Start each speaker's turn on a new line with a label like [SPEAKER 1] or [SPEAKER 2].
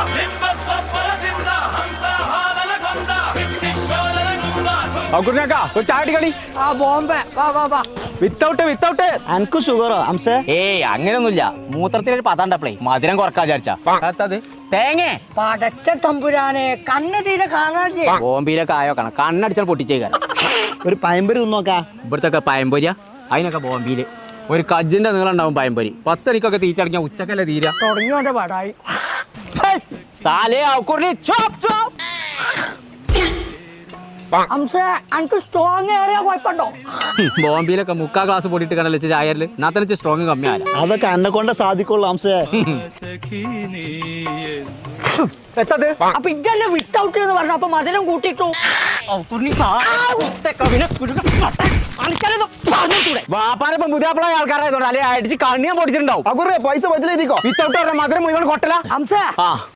[SPEAKER 1] ചാടിക്കളി without
[SPEAKER 2] അനക്ക് ഷുഗറോ അംസേ?
[SPEAKER 1] ഏയ് അങ്ങനെയൊന്നുമില്ല. മൂത്രത്തിനൊരു പതാണ്ടപ്പളേ മധുരം കുറക്കാ വിചാരിച്ചാ തേങ്ങ
[SPEAKER 3] പടച്ച തമ്പുരാനെ കണ്ണ് തീരെ കാണാനില്ലേ.
[SPEAKER 1] ബോംബെയിലൊക്കെ ആയോ കാണാം. കണ്ണടിച്ചാൽ പൊട്ടിച്ചേക്കാൻ.
[SPEAKER 2] ഒരു പയമ്പരി തിന്നോക്കാ.
[SPEAKER 1] ഇവിടത്തൊക്കെ പയമ്പൊരിയ അതിനൊക്കെ ബോംബെയില് ഒരു കജ്ജിന്റെ നീളം ഉണ്ടാവും പയമ്പൊരി. 10 മണിക്കൊക്കെ തീറ്റടങ്ങിയ ഉച്ചക്കല്ലേ തീര.
[SPEAKER 3] തുടങ്ങിയോന്റെ പാടായി. അനക്ക് സ്ട്രോങ് ഏറിയ കുഴപ്പമുണ്ടോ?
[SPEAKER 1] ബോംബെയിലൊക്കെ 3/4 ഗ്ലാസ് പൊടിയിട്ട് കണ്ടല്ലേ ചായരില്. എന്നാ സ്ട്രോങ് കമ്മിയാല.
[SPEAKER 2] അതൊക്കെ എന്നെ കൊണ്ട് സാധിക്കുള്ളൂ അംസേ.
[SPEAKER 3] അപ്പൊ ഇതല്ലേ വിത്തൗട്ട് എന്ന് പറഞ്ഞു. അപ്പൊ മധുരം കൂട്ടിട്ടു.
[SPEAKER 1] വാപ്പാനിപ്പം പുതിയ ആൾക്കാരായതുകൊണ്ട് അല്ലെ അടിച്ച് കണ്ണിയാൻ പൊടിച്ചിട്ടുണ്ടാവും.
[SPEAKER 2] പൈസ പറ്റില്ല
[SPEAKER 1] വിത്തൗട്ട് മധുരം മുഴുവൻ കൊട്ടല.
[SPEAKER 3] ഹംസ